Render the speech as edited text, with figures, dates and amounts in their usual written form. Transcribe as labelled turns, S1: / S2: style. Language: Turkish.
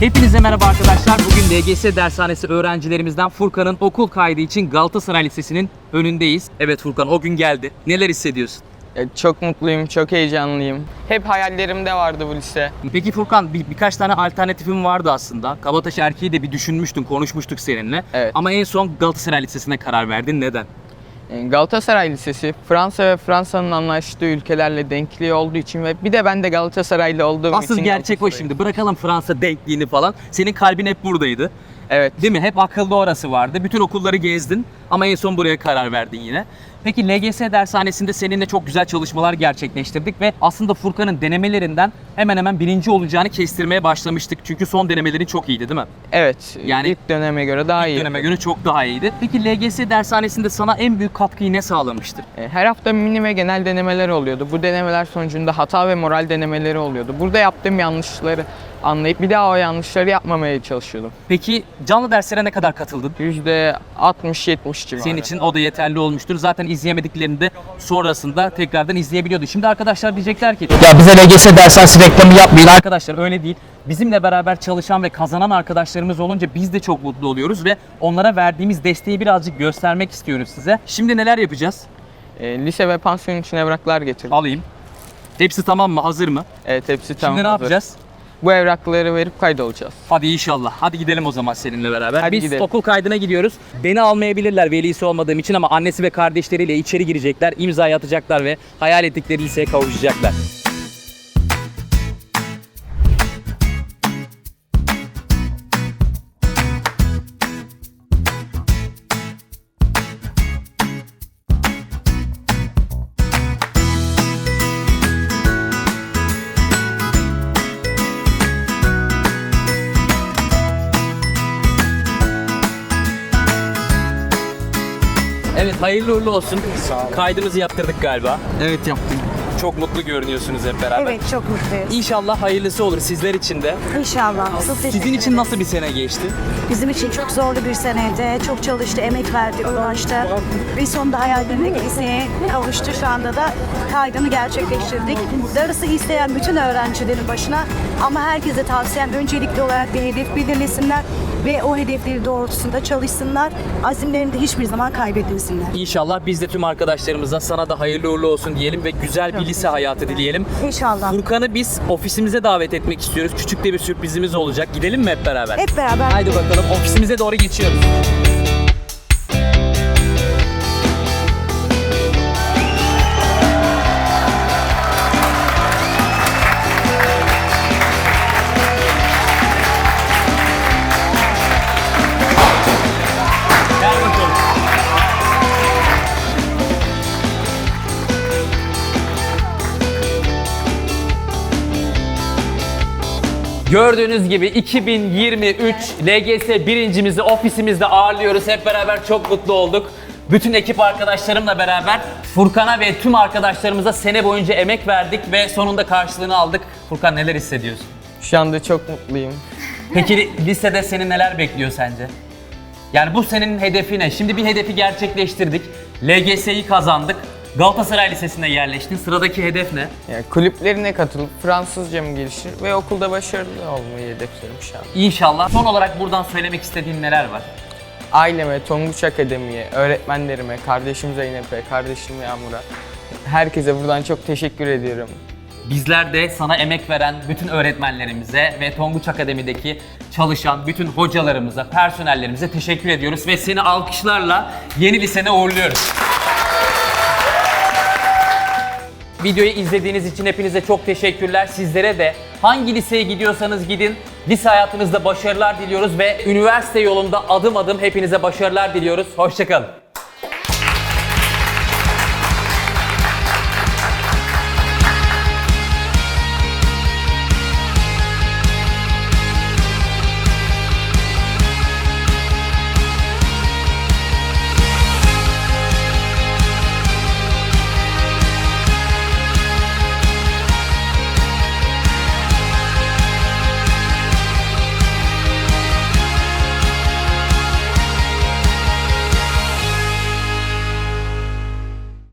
S1: Hepinize merhaba arkadaşlar. Bugün LGS dershanesi öğrencilerimizden Furkan'ın okul kaydı için Galatasaray Lisesi'nin önündeyiz. Evet Furkan, o gün geldi. Neler hissediyorsun?
S2: Çok mutluyum, çok heyecanlıyım. Hep hayallerimde vardı bu lise.
S1: Peki Furkan, birkaç tane alternatifim vardı aslında. Kabataş Erkeği de bir düşünmüştüm, konuşmuştuk seninle.
S2: Evet.
S1: Ama en son Galatasaray Lisesi'ne karar verdin. Neden?
S2: Galatasaray Lisesi, Fransa ve Fransa'nın anlaştığı ülkelerle denkliği olduğu için ve bir de ben de Galatasaraylı olduğum için...
S1: Asıl gerçek o şimdi. Bırakalım Fransa denkliğini falan. Senin kalbin hep buradaydı.
S2: Evet.
S1: Değil mi? Hep akılda orası vardı. Bütün okulları gezdin ama en son buraya karar verdin yine. Peki LGS dershanesinde seninle çok güzel çalışmalar gerçekleştirdik ve aslında Furkan'ın denemelerinden hemen hemen birinci olacağını kestirmeye başlamıştık. Çünkü son denemelerin çok iyiydi değil mi?
S2: Evet,
S1: Yani
S2: ilk döneme göre daha iyi.
S1: Döneme göre çok daha iyiydi. Peki LGS dershanesinde sana en büyük katkıyı ne sağlamıştır?
S2: Her hafta mini ve genel denemeler oluyordu. Bu denemeler sonucunda hata ve moral denemeleri oluyordu. Burada yaptığım yanlışları anlayıp bir daha o yanlışları yapmamaya çalışıyordum.
S1: Peki canlı derslere ne kadar katıldın?
S2: %60-70 civarı.
S1: Senin için o da yeterli olmuştur. Zaten izleyemediklerini de sonrasında tekrardan izleyebiliyordu. Şimdi arkadaşlar diyecekler ki ya bize LGS dershanesi reklamı yapmayın. Arkadaşlar öyle değil. Bizimle beraber çalışan ve kazanan arkadaşlarımız olunca biz de çok mutlu oluyoruz ve onlara verdiğimiz desteği birazcık göstermek istiyoruz size. Şimdi neler yapacağız?
S2: Lise ve pansiyon için evraklar getirdim.
S1: Alayım. Hepsi tamam mı? Hazır mı?
S2: Evet, hepsi tamam.
S1: Şimdi ne
S2: hazır.
S1: yapacağız?
S2: Bu evrakları verip kaydolacağız.
S1: Hadi inşallah. Hadi gidelim o zaman seninle beraber.
S2: Hadi
S1: Biz
S2: gidelim.
S1: okul kaydına gidiyoruz. Beni almayabilirler velisi olmadığım için ama annesi ve kardeşleriyle içeri girecekler, imzayı atacaklar ve hayal ettikleri liseye kavuşacaklar. Evet, hayırlı uğurlu olsun.
S3: Sağ olun.
S1: Kaydımızı yaptırdık galiba.
S2: Evet, yaptım.
S1: Çok mutlu görünüyorsunuz hep beraber.
S3: Evet, çok mutluyuz.
S1: İnşallah hayırlısı olur sizler için de.
S3: İnşallah. Çok teşekkür
S1: Sizin için
S3: ederim.
S1: nasıl bir sene geçti?
S3: Bizim için çok zorlu bir seneydi. Çok çalıştı, emek verdi, uğraştı. Ve sonunda hayallerindeki liseye kavuştu. Şu anda da kaydını gerçekleştirdik. Darısı isteyen bütün öğrencilerin başına. Ama herkese tavsiyem öncelikli olarak bir hedef belirlesinler. Ve o hedefleri doğrultusunda çalışsınlar. Azimlerini de hiçbir zaman kaybetmesinler.
S1: İnşallah biz de tüm arkadaşlarımıza sana da hayırlı uğurlu olsun diyelim ve güzel bir lise hayatı dileyelim.
S3: İnşallah.
S1: Furkan'ı biz ofisimize davet etmek istiyoruz. Küçük de bir sürprizimiz olacak. Gidelim mi hep beraber?
S3: Hep beraber.
S1: Haydi bakalım, ofisimize doğru geçiyoruz. Gel bakalım. Gördüğünüz gibi 2023 LGS birincimizi ofisimizde ağırlıyoruz. Hep beraber çok mutlu olduk. Bütün ekip arkadaşlarımla beraber Furkan'a ve tüm arkadaşlarımıza sene boyunca emek verdik ve sonunda karşılığını aldık. Furkan, neler hissediyorsun?
S2: Şu anda çok mutluyum.
S1: Peki lisede seni neler bekliyor sence? Yani bu senin hedefi ne? Şimdi bir hedefi gerçekleştirdik. LGS'yi kazandık. Galatasaray Lisesi'ne yerleştin. Sıradaki hedef ne?
S2: Yani kulüplerine katılıp Fransızcamı geliştir ve okulda başarılı olmayı hedefliyorum şu an.
S1: İnşallah. Son olarak buradan söylemek istediğin neler var?
S2: Aileme, Tonguç Akademi'ye, öğretmenlerime, kardeşim Zeynep'e, kardeşim Yağmur'a, herkese buradan çok teşekkür ediyorum.
S1: Bizler de sana emek veren bütün öğretmenlerimize ve Tonguç Akademi'deki çalışan bütün hocalarımıza, personellerimize teşekkür ediyoruz ve seni alkışlarla yeni lisene uğurluyoruz. Videoyu izlediğiniz için hepinize çok teşekkürler. Sizlere de hangi liseye gidiyorsanız gidin, lise hayatınızda başarılar diliyoruz ve üniversite yolunda adım adım hepinize başarılar diliyoruz. Hoşça kalın.